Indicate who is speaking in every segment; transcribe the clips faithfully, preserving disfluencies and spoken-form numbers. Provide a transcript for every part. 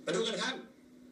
Speaker 1: ไปดูกันครับ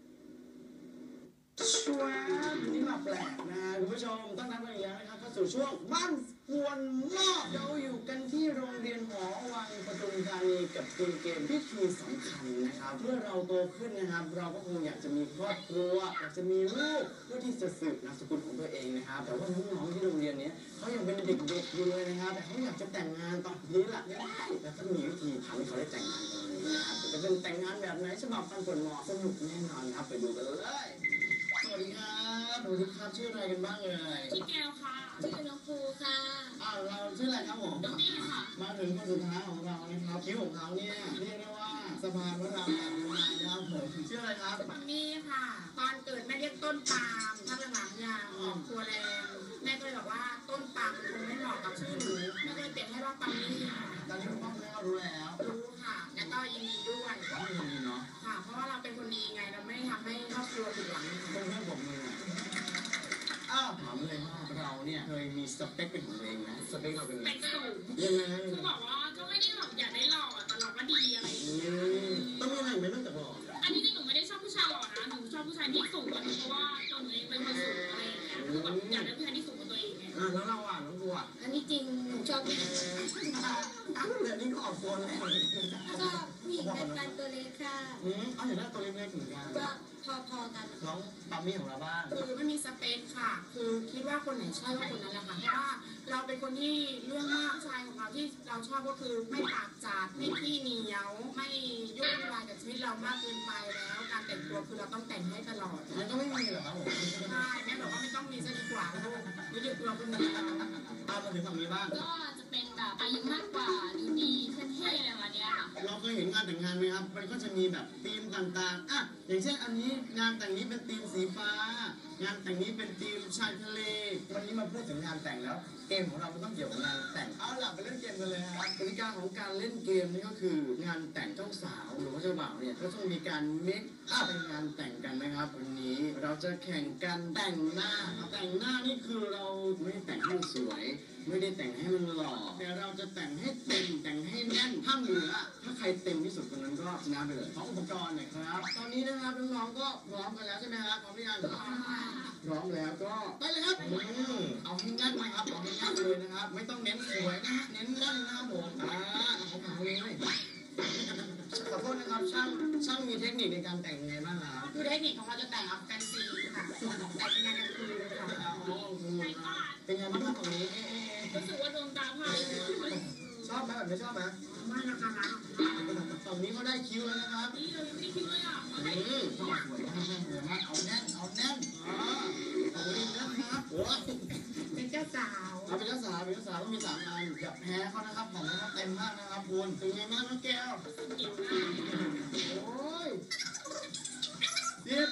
Speaker 1: ช่วงนี้มาแปลกนะคุณผู้ชมต้อนรับกันอีกแล้วนะครับเข้าสู่ช่วงบ้านกวนนอกเราอยู่กันที่โรงเรียนหอวังปทุมธานีกับเกมเกมพิธีสำคัญนะครับเมื่อเราโตขึ้นนะครับเราก็คงอยากจะมีครอบครัวอยากจะมีลูกเพื่อที่จะสืบนามสกุลของตัวเองนะครับแต่ว่าน้องๆที่โรงเรียนนี้เขายังเป็นเด็กๆอยู่เลยนะครับแต่เขาอยากจะแต่งงานตอนนี้แหละแล้วก็มีวิธีทำให้เขาได้แต่งงานตอนนี้นะครับจะเป็นแต่งงานแบบไหนฉบับฟันผลเหมาะสนุกแน่นอนครับไปดูกันเลยสวัสดีครับสวัสดีครับชื่ออะไรกันบ้างเอ่ย
Speaker 2: ชื่อแก้วค่ะชื่อน้องภูค่ะ
Speaker 1: อ้าวเราชื่ออะไรครับผม
Speaker 2: น้องนี่ค่ะ
Speaker 1: มาถึงคนสุดท้ายของเรานะครับคิ้วของเขาเนี่ยเรียกได้ว่าสะพานพระรามแปดนายนะครับผมชื่ออะไรครับ
Speaker 2: น้องนี่ค่ะตอนเกิดแม่เรียกต้นปาล์มถ้าหลังๆยาวออกตัวแรงแม่ก็เลยบอกว่าต้นปาล์มคงไม่เหมาะกับชื่อหนูแม่ก็เลยเปลี่ยนให้ว่าปาล์มนี่ค่ะ
Speaker 1: ตอนนี้คุณพ่อคุณแม่รู้แล้ว
Speaker 2: รู้ค่ะแล้วก็ยินดีด้วย
Speaker 1: ว่าเป็นคนดีเนาะ
Speaker 2: ค่ะเพราะว่าเราเป็นคนดีไงเราไม่ทำให้ครอบครัวผิดหวัง
Speaker 1: เพื่อนๆผมเลยอ้าวถามเลยว่าเราเนี่ยเคยมีสเปคเป็นของตัวเองไหมสเปคเราเป็นไง
Speaker 2: เป็นสูง
Speaker 1: ยังไง
Speaker 2: คือบอกว่าก็ไม่ได้หลอกอยากได้หล่อแต่เราก็ดีอะไรอย่างเงี้ย
Speaker 1: ต้องมีอะไรไหมนอกจากหล่อ
Speaker 2: อันนี้จริงหนูไม่ได้ชอบผู้ชายหล่อนะหนูชอบผู้ชายที่สูงกว่าหนูเพราะว่าตัวหนูเองเป็นคนสูงอะไรอย่างเงี้ยคือแบบอยากได้ผู้ชายที่สูงกว่าตัวเองไง
Speaker 1: อ่าแล้วเราอ่ะน้องบัว
Speaker 2: อันนี้จริงหนูชอบผู้ชาย
Speaker 1: อ้าวเดี๋ยวนี้ก็ออกคนแล้ว
Speaker 2: ชอบผู้หญิงเป็นกันตัวเล็กค่ะ
Speaker 1: อืมเอาอย่างนั้นตัวเล็กๆเหมือนกัน
Speaker 2: ก็พอๆกัน
Speaker 1: น้องปามี่ของเราบ้าง
Speaker 2: คือไม่มีสเปคค่ะ คือคิดว่าคนไหนใช่ว่าคนนั้นแหละค่ะเพราะว่าเราเป็นคนที่เรื่องมากชายของเราที่เราชอบก็คือไม่ปากจัดไม่ขี้เหนียวไม่ยุ่งวายกับชีวิตเรามากเกินไปแล้วการแต่งตัวคือเราต้องแต่งให้ตลอด
Speaker 1: มันก็ไม่มีหรอครับผม
Speaker 2: ใช่แม่บอกว่าไม่ต้องมีซะดีกว่าลูกไม่หยุดเราคนนี้เรา
Speaker 1: ตามมาถึงฝั่งนี้บ้าง
Speaker 2: ก็จะเป็นแบบอายุมากกว่าดูดีเท่ๆอะไรประมาณนี้ค่ะ
Speaker 1: เราเคยเห็นงานแต่งงานไหมครับมันก็จะมีแบบธีมต่างๆอ่ะอย่างเช่นอันนี้งานแต่งนี้เป็นธีมสีฟ้างานแต่งนี้เป็นธีมชายทะเลวันนี้มาพูดถึงงานแต่งแล้วเกมของเรามันต้องเกี่ยวกับงานแต่งเอาล่ะไปเล่นเกมกันเลยครับกติกาของการเล่นเกมนี่ก็คืองานแต่งเจ้าสาวหรือว่าเจ้าบ่าวเนี่ยก็ต้องมีการเมคอัพเป็นงานแต่งกันนะครับวันนี้เราจะแข่งกันแต่งหน้าแต่งหน้านี่คือเราไม่ได้แต่งให้มันสวยไม่ได้แต่งให้มันหล่อแต่เราจะแต่งให้เต็มแต่งให้แน่นถ้าเหลือถ้าใครเต็มที่สุดคนนั้นก็ชนะไปเลยขออุปกรณ์หน่อยครับตอนนี้นะครับน้องๆก็พร้อมกันแล้วใช่ไหมครับพร้อมหรือยังพร้อมแล้วก็ไปเลยครับเอาให้แน่นนะครับเอาให้แน่นเลยนะครับไม่ต้องเน้นสวยนะเน้นแน่นนะครับผมอ่าเอาของเลยขอโทษนะครับช่างช่างมีเทคนิคในการแต่งยังไงบ้างครับ
Speaker 2: คือเทคนิคของเราจะแต่งเอาแฟนซีค่ะแต่งเป็นงานกลางคืนค่ะ
Speaker 1: เป็นไงบ้างตรงนี้
Speaker 2: รู้สึกว่าดวงตาพาย
Speaker 1: ชอบไหมแบบไม่ชอบไหม
Speaker 2: ไม่นะคะนะ
Speaker 1: ฝั่งนี้เขาได้คิวแล้วนะครับ
Speaker 2: นี่เรายังไม่ได้คิวเลยอ่ะ
Speaker 1: นี่สวยสวยมากสวยมากเอาแน่นเอาแน่นอ๋อเอาดีนะครับโอ้ย
Speaker 2: เป็นเจ้าสาว
Speaker 1: เอาเป็นเจ้าสาวเป็นเจ้าสาวต้องมีสามอันอย่าแพ้เขานะครับของเขาเต็มมากนะครับคุณเป็นไงบ้างน้องแก้วโอ้ยเจ็ด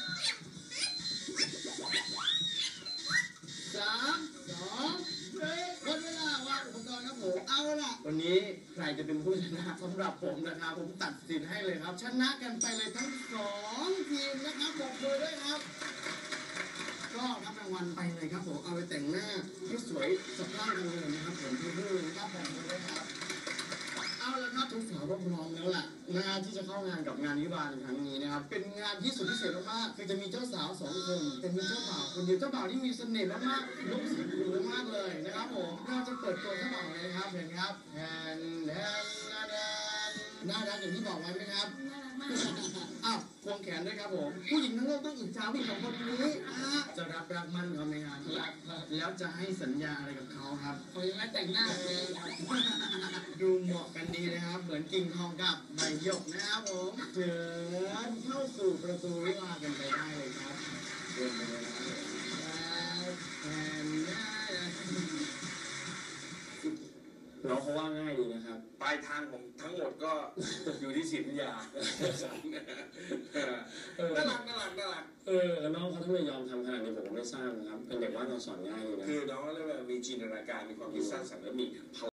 Speaker 1: สามสองหนึ่งหมดเวลาวางอุปกรณ์ครับผมเอาล่ะวันนี้ใครจะเป็นผู้ชนะสำหรับผมนะครับผมตัดสินให้เลยครับชนะกันไปเลยทั้งสองทีมนะครับบอกมือด้วยครับก็รับรางวัลไปเลยครับผมเอาไปแต่งหน้าให้สวยสะพรั่งกันเลยนะครับผมเพื่อนๆนะครับบอกมือด้วยครับเอาละครับทุกสาวก็พร้อมแล้วล่ะงานที่จะเข้างานกับงานวิวาห์ในครั้งนี้นะครับเป็นงานที่สุดพิเศษมากๆคือจะมีเจ้าสาวสองคนแต่มีเจ้าบ่าวคนเดียวเจ้าบ่าวที่มีเสน่ห์มากๆลุกสีคูมากเลยนะครับผมเราจะเปิดตัวเจ้าบ่าวเลยครับเห็นครับแทนแทนแทนน่ารักอย่างที่บอกไว้ไหมครับ
Speaker 2: น่ารักมาก
Speaker 1: อ้าวควงแขนด้วยครับผมผู้หญิงทั้งโลกต้องอิจฉาผู้หญิงสองคนนี้จะรับรักมั่นเขาไหมครับแล้วจะให้สัญญาอะไรกับเขาครับ
Speaker 2: เขายังไม่แต่งหน้าเลย
Speaker 1: ดูเหมาะกันดีนะครับเหมือนกิ่งทองกับใบหยกนะครับผมเชิญเข้าสู่ประตูวิวาห์กันไปได้เลยครับเดินไปเลยนะครับแอนน่า
Speaker 3: น้องเขาว่าง่ายดีนะครับปลายทางผมทั้งหมดก็อยู่ที่ศิลปยาน่ารักน่ารักน่ารัก
Speaker 1: เออน้องเขาทำไมยอมทำขนาดนี้ผมก็ไม่ทราบนะครับเป็นเด็กว่าเราสอนง่ายเลยนะ
Speaker 3: คือน้องเรียกว่ามีจินตนาการมีความคิดสร้างสรรค์และมี